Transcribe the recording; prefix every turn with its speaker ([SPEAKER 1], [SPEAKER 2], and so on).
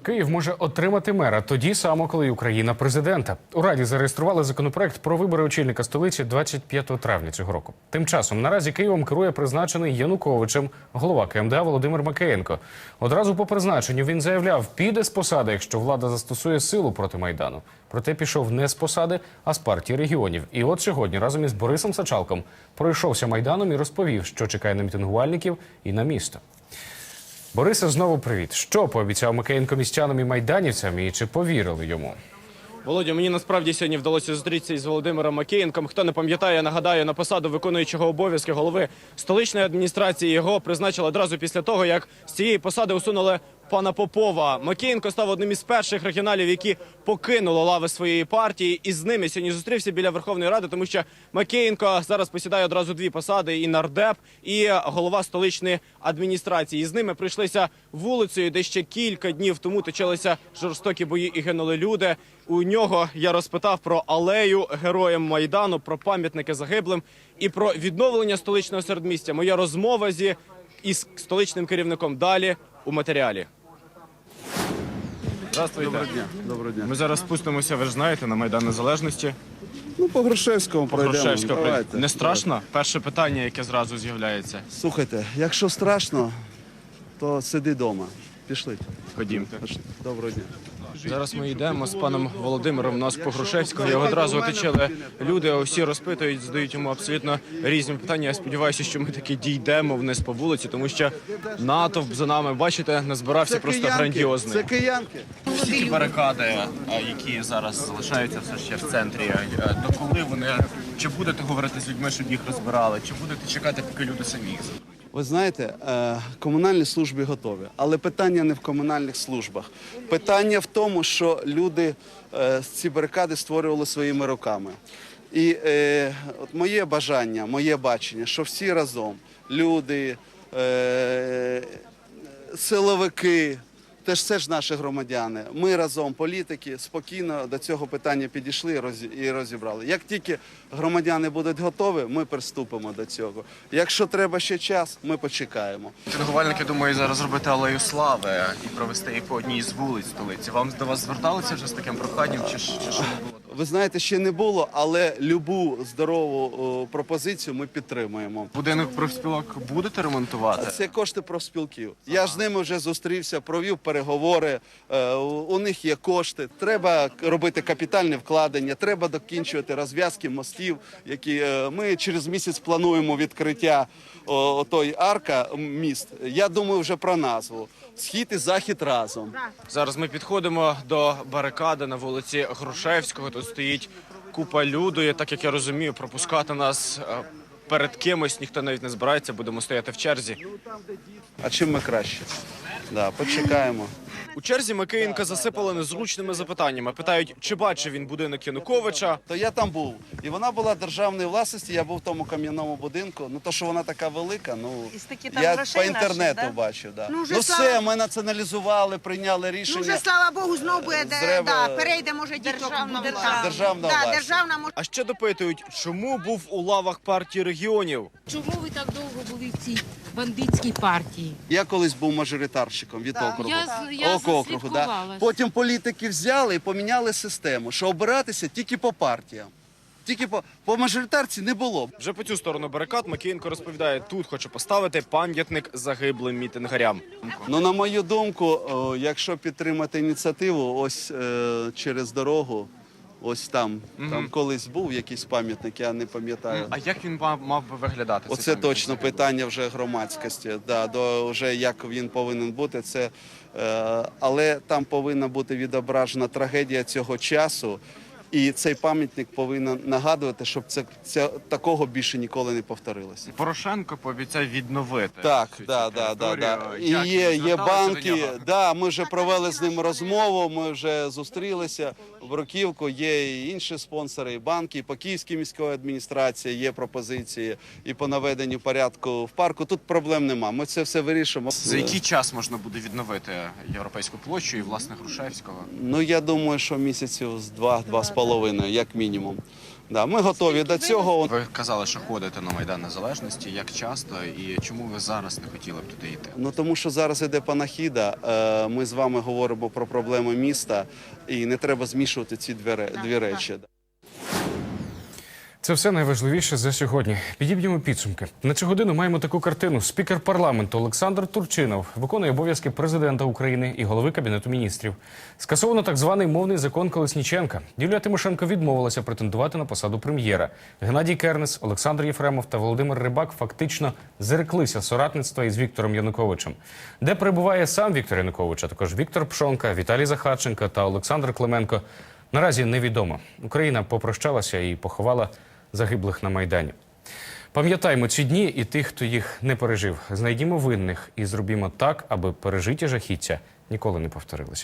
[SPEAKER 1] Київ може отримати мера тоді само, коли Україна президента. У Раді зареєстрували законопроект про вибори очільника столиці 25 травня цього року. Тим часом наразі Києвом керує призначений Януковичем голова КМДА Володимир Макеєнко. Одразу по призначенню він заявляв, піде з посади, якщо влада застосує силу проти Майдану. Проте пішов не з посади, а з партії регіонів. І от сьогодні разом із Борисом Сачалком пройшовся Майданом і розповів, що чекає на мітингувальників і на місто. Борисе, знову привіт. Що пообіцяв Макеєнко містянам і майданівцям, і чи повірили йому?
[SPEAKER 2] Володя, мені насправді сьогодні вдалося зустрітися із Володимиром Макеєнком. Хто не пам'ятає, нагадаю, на посаду виконуючого обов'язки голови столичної адміністрації його призначили одразу після того, як з цієї посади усунули пана Попова. Макеєнко став одним із перших регіоналів, які покинули лави своєї партії. І з ними сьогодні зустрівся біля Верховної Ради, тому що Макеєнко зараз посідає одразу дві посади: і нардеп, і голова столичної адміністрації. І з ними прийшлися вулицею, де ще кілька днів тому точилися жорстокі бої і гинули люди. У нього я розпитав про алею героям Майдану, про пам'ятники загиблим і про відновлення столичного середмістя. Моя розмова із столичним керівником далі у матеріалі. Здравствуйте.
[SPEAKER 3] Доброго дня. Доброго дня.
[SPEAKER 2] Ми зараз спустимося, ви ж знаєте, на Майдан Незалежності.
[SPEAKER 3] Ну, по Грушевському пройдемо. Давайте.
[SPEAKER 2] Не страшно? Перше питання, яке зразу з'являється.
[SPEAKER 3] Слухайте, якщо страшно, то сиди вдома. Пішли.
[SPEAKER 2] Ходімте.
[SPEAKER 3] Доброго дня.
[SPEAKER 2] Зараз ми йдемо з паном Володимиром. У нас по Грушевського його одразу оточили люди, усі розпитують, задають йому абсолютно різні питання. Я сподіваюся, що ми таки дійдемо вниз по вулиці, тому що натовп за нами, бачите, назбирався просто грандіозний.
[SPEAKER 3] Це киянки.
[SPEAKER 2] Всі ті барикади, які зараз залишаються все ще в центрі, до коли вони, чи будете говорити з людьми, щоб їх розбирали, чи будете чекати, поки люди самі їх заберуть?
[SPEAKER 3] Ви знаєте, комунальні служби готові, але питання не в комунальних службах. Питання в тому, що люди ці барикади створювали своїми руками. І от моє бажання, моє бачення, що всі разом, люди, силовики, теж це ж наші громадяни. Ми разом, політики, спокійно до цього питання підійшли і розібрали. Як тільки громадяни будуть готові, ми приступимо до цього. Якщо треба ще час, ми почекаємо.
[SPEAKER 2] Мітингувальники думають зараз зробити алею слави і провести її по одній з вулиць столиці. Вам до вас зверталися вже з таким проханням, чи ще не було?
[SPEAKER 3] Ви знаєте, ще не було, але любу здорову пропозицію ми підтримуємо.
[SPEAKER 2] Будинок профспілок будете ремонтувати?
[SPEAKER 3] Це кошти профспілків. Я ж з ними вже зустрівся, провів переговори, у них є кошти. Треба робити капітальне вкладення, треба докінчувати розв'язки мостів, які ми через місяць плануємо відкриття отої арка міст. Я думаю вже про назву. Схід і захід разом.
[SPEAKER 2] Зараз ми підходимо до барикади на вулиці Грушевського. Тут стоїть купа люду, і, так як я розумію, пропускати нас перед кимось ніхто навіть не збирається, будемо стояти в черзі.
[SPEAKER 3] А чим ми краще? Да, почекаємо.
[SPEAKER 2] У черзі Макеєнка засипали незручними запитаннями. Питають, чи бачив він будинок Януковича.
[SPEAKER 3] То я там був, і вона була державної власності, я був в тому кам'яному будинку. Ну, то, що вона така велика, ну, я по інтернету бачив. Да. Ну, все, ми націоналізували, прийняли рішення.
[SPEAKER 4] Ну, вже, слава Богу, знову буде, перейде, може,
[SPEAKER 3] Державна
[SPEAKER 4] власть. Державна, може.
[SPEAKER 2] А ще допитують, чому був у лавах партії регіонів.
[SPEAKER 5] Чому ви так довго були в цій бандитській партії?
[SPEAKER 3] Я колись був мажоритарщиком від округу.
[SPEAKER 5] Я
[SPEAKER 3] округу, да.
[SPEAKER 5] заслідкувала.
[SPEAKER 3] Потім політики взяли і поміняли систему, що обиратися тільки по партіям. Тільки по мажоритарці не було.
[SPEAKER 2] Вже по цю сторону барикад Макеєнко розповідає, тут хоче поставити пам'ятник загиблим мітингарям.
[SPEAKER 3] Ну, на мою думку, якщо підтримати ініціативу, ось через дорогу, ось там колись був якийсь пам'ятник, я не пам'ятаю.
[SPEAKER 2] А як він мав би виглядати? цей
[SPEAKER 3] Оце
[SPEAKER 2] пам'ятник
[SPEAKER 3] точно
[SPEAKER 2] загиблим?
[SPEAKER 3] питання вже громадськості, вже як він повинен бути. Але там повинна бути відображена трагедія цього часу, і цей пам'ятник повинен нагадувати, щоб такого більше ніколи не повторилося.
[SPEAKER 2] Порошенко пообіцяв відновити.
[SPEAKER 3] Так,
[SPEAKER 2] цю
[SPEAKER 3] да.
[SPEAKER 2] територію.
[SPEAKER 3] І
[SPEAKER 2] Як
[SPEAKER 3] є
[SPEAKER 2] ви зверталися
[SPEAKER 3] банки,
[SPEAKER 2] до нього?
[SPEAKER 3] да, ми вже провели з ним розмову, ми вже зустрілися в Бруківку, є і інші спонсори, і банки, і по Київській міській адміністрації є пропозиції, і по наведенню порядку в парку. Тут проблем нема, ми це все вирішимо.
[SPEAKER 2] За який час можна буде відновити Європейську площу і, власне, Грушевського?
[SPEAKER 3] Ну, я думаю, що місяців з 2-2,5. 2,5, як мінімум. Да, ми готові до цього.
[SPEAKER 6] Ви казали, що ходите на Майдан Незалежності. Як часто і чому ви зараз не хотіли б туди йти?
[SPEAKER 3] Ну тому що зараз іде панахіда. Ми з вами говоримо про проблеми міста, і не треба змішувати ці дві речі.
[SPEAKER 1] Це все найважливіше за сьогодні. Підіб'ємо підсумки. На цю годину маємо таку картину. Спікер парламенту Олександр Турчинов виконує обов'язки президента України і голови Кабінету міністрів. Скасовано так званий мовний закон Колесніченка. Юлія Тимошенко відмовилася претендувати на посаду прем'єра. Геннадій Кернес, Олександр Єфремов та Володимир Рибак фактично зреклися соратництва із Віктором Януковичем. Де перебуває сам Віктор Янукович, а також Віктор Пшонка, Віталій Захарченко та Олександр Клименко, наразі невідомо. Україна попрощалася і поховала загиблих на Майдані. Пам'ятаймо ці дні і тих, хто їх не пережив. Знайдімо винних і зробімо так, аби пережиті жахіття ніколи не повторилися.